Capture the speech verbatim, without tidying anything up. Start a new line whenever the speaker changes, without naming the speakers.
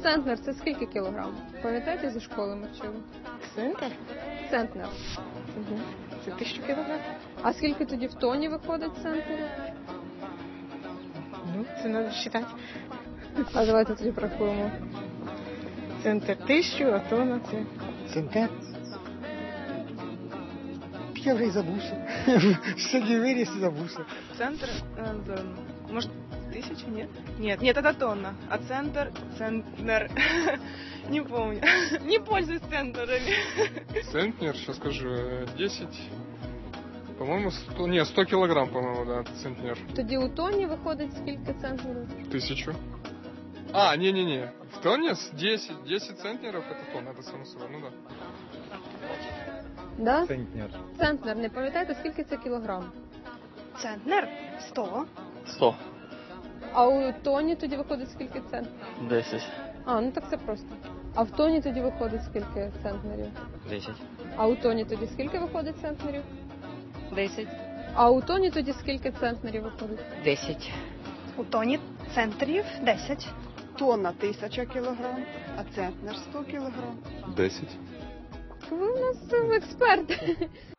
центнер це скільки кілограм? Пам'ятаєте, зі школи ми вчили?
Центр?
Центнер.
Угу. Це тисячу кілограм.
А скільки тоді в тоні виходить центнерів?
Ну, це треба вважати.
А давайте тоді порахуємо.
Центр тисячу, а тонна це...
Центнер? Я вже й забувся. Сьогодні виріс і забувся.
Центр, э, да, может, тысяча, нет? Нет, нет, это тонна. А центр, центнер, не помню. Не пользуюсь центрами.
Центнер, сейчас скажу, десять, по-моему, сто, не, сто килограмм, по-моему, да, центнер.
Тоді у тоні виходить скільки центнерів?
Тысячу. А, не-не-не, в тонне с десять, десять центнеров это тонна, это само собой, ну да.
Да?
Центнер.
Центнер, не пам'ятаєте, скільки це кілограм?
Центнер, сто.
сто.
А у тоні тоді виходить скільки центнерів?
десять.
А, ну так це просто. А в тоні тоді виходить скільки центнерів?
десять.
А у тоні тоді скільки виходить центнерів?
десять.
А у тоні тоді скільки центнерів виходить?
десять.
У тоні центрів десять.
Тонна тисяча кілограм, а центнер сто кілограм.
десять.
Ви у нас експерт.